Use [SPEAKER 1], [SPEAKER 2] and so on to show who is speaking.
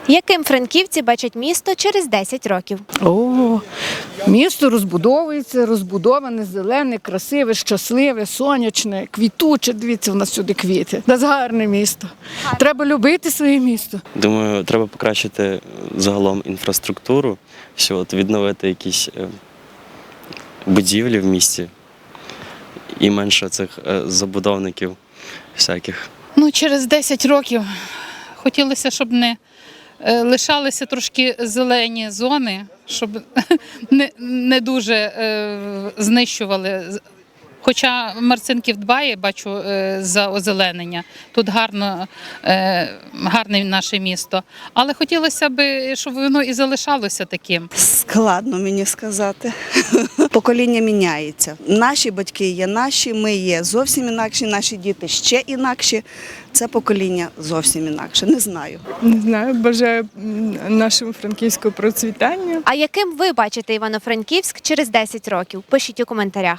[SPEAKER 1] Яким франківці бачать місто через 10 років?
[SPEAKER 2] Місто розбудовується, розбудоване, зелене, красиве, щасливе, сонячне, квітуче. Дивіться, у нас сюди квіти. У нас гарне місто. Треба любити своє місто.
[SPEAKER 3] Думаю, треба покращити загалом інфраструктуру, відновити якісь будівлі в місті і менше цих забудовників всяких.
[SPEAKER 4] Через 10 років хотілося, щоб не лишалися трошки зелені зони, щоб не дуже знищували. Хоча Марцинків дбає, бачу, за озеленення. Тут гарне наше місто. Але хотілося б, щоб воно і залишалося таким.
[SPEAKER 5] Складно мені сказати. Покоління міняється. Наші батьки є наші, ми є зовсім інакші, наші діти ще інакші. Це покоління зовсім інакше. Не знаю.
[SPEAKER 6] Не знаю, бажаю нашому Франківську процвітання.
[SPEAKER 1] А яким ви бачите Івано-Франківськ через 10 років? Пишіть у коментарях.